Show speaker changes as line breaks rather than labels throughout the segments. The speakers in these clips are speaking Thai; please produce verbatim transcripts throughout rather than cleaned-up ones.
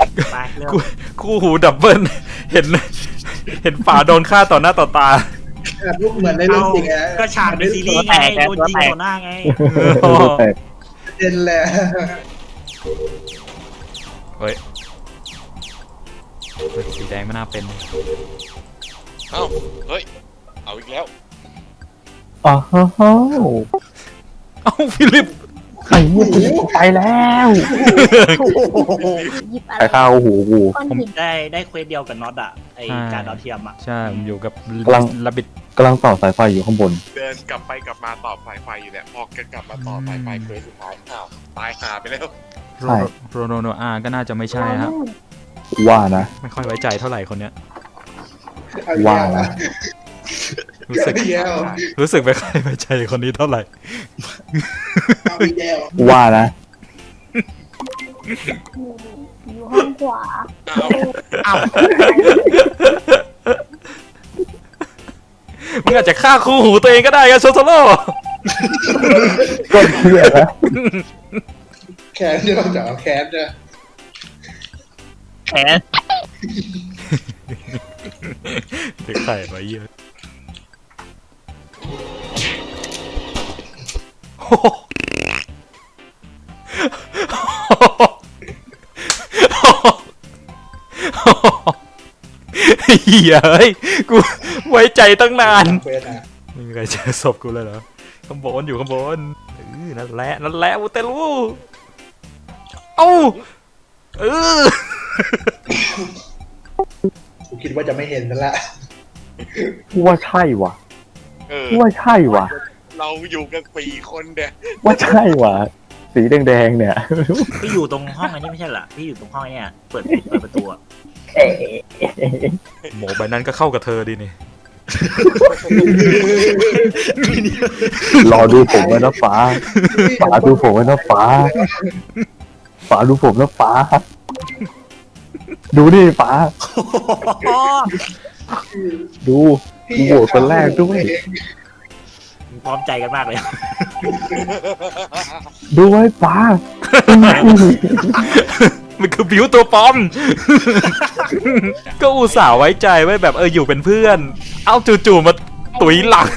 ไปเริ่ม
คู่คู่หูดับเบิลเห็นเห็นป่าโดนฆ่าต่อหน้าต่อตา
ลูกเหมือนในเรื่องจริงอะ
ก็ฉากในซีรีส์ไงโดนยิงต่อหน้าไง
ตัวแตก
เด่นแหละ
เฮ้ยสีแดงไม่น่าเป็น
เอ้าเฮ้ยเอาอีกแล้ว
อ๋อฮะ
เอ้าฟิลิป
ไอ้เนี่ยไปแล้ว
หยิบอะ
ใคร
ไร
ข้าวหูกู
ก้อนหิน
ได้ได้เควสเดียวกับน็อตอะไอการดาวเทียมอะ
ใช่ผมอยู่กับ
กำลัง
ลับบิด
กำลังต่อสายไฟอยู่ข้างบน
เดินกลับไปกลับมาต่อสายไฟอยู่เนี่ยพอกันกลับมาต่อสายไฟเควสสุดท้ายอ้าวตายหาไปแล้ว
โรโรโนโนอาก็น่าจะไม่ใช่ครับ
ว่านะ
ไม่ค่อยไว้ใจเท่าไหร่คนเนี้ย
ว่านะ
รู้สึก
เอาอีกแล้ว
รู้สึกไม่ค่อยไว้ใจคนนี้เท่าไหร่
เอาอีกแล้ว
ว่านะ
อยู่ห้องขวา
อ้าว
มึงอาจจะฆ่าคู่หูตัวเองก็ได้กันโซโซโล่
ก็เที่ยนะ
แคนจะต้องจับแคนจะ
แขน
เด็กไข่ไว้เยอะโอ้โหเฮียเฮ้ยกูไว้ใจตั้งนาน
เควสอะ
ไม่มีใครเจอศพกูเลยเหรอข้างบนอยู่ข้างบนเออนั่นแหละนั่นแหละอูเตลูเอ้าเออ
กูคิดว่าจะไม่เห็นนั่นแหละ
กูว่าใช่ว่ะ
เออ
กูว่าใช่ว่ะ
เราอยู่กันสี่คนเนี่ย
ว่าใช่ว่ะ สีแดงๆเนี่ย
พี่อยู่ตรงห้องอันนี้ไม่ใช่เหรอพี่อยู่ตรงห้องเนี่ยเปิดเปิดประตูอะ
หมอใบนั้นก็เข้ากับเธอดีนี่
รอดูผมไว้นะฟ้าฟ้าดูผมไว้นะฟ้าฟ้าดูผมนะฟ้า ดูดิฟ้า ดูกูโหวตคนแรกด้วย
พร้อมใจกันมากเลย
ดูไว้ฟ้า
มันคือบิวตัวปลอม ก็อุตส่าห์ไว้ใจไว้แบบเอออยู่เป็นเพื่อน เอ้าจู่ๆมาตุ๋ยหลัง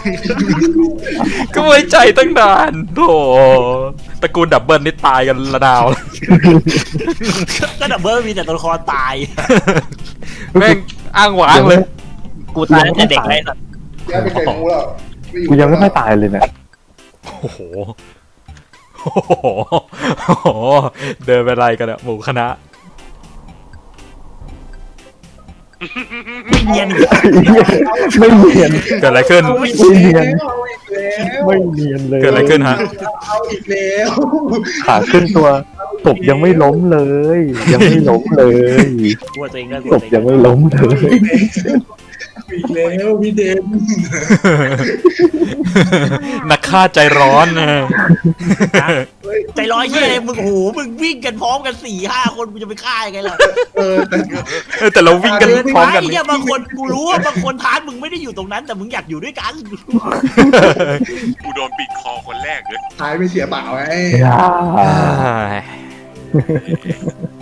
ก็ไว้ใจตั้งนานโธ่ตระกูลดับเบิลนี่ตายกันระดาว
ก็ดับเบิลมีแต่ตัวละครตาย
แม่งอ้างหวางเลย
กูตายตั้งแต่เด็กเลยสัตว์
แกเป็นไก่มูแล้ว
กูยังไม่ค่อยตายเลยเนี่ย
โอ้โห โอ้โหโอ้โห เดินไปไรกันอะหมู่คณะ
ไม่เนียนอีก
ไม่เนียน
เกิดอะไรขึ้น
ไม่เนียน
เอาอีกแล้ว
ไม่เนียนเลย
เกิดอะไรขึ้นฮะ
เอาอีกแล้ว
ขาขึ้นตัวศพยังไม่ล้มเลย ยังไม่ล้มเลย
กลัวตัวเองด้วยกลั
ศ
ว
พ
ตัวเอง
ยังไม่ล้มเลย
อีกแล้วพี่เดน
นักฆ่าใจร้อนนะ
ใจร้อยเชี่ยเลยมึงโอ้โหมึงวิ่งกันพร้อมกันสี่ห้าคนมึงจะไปฆ่ายังไงล่ะ
เออแต่
เออแต่เราวิ่งกันพร้อมกัน
ไอ้เนี่ยบางคนกูรู้ว่าบางคนทาร์ตมึงไม่ได้อยู่ตรงนั้น แต่มึงอยากอยู่ด้วยกัน
กูโดนปิดคอคนแรกเลย
ท้ายไม่เสียเปล่าไง
อย่า
อ่า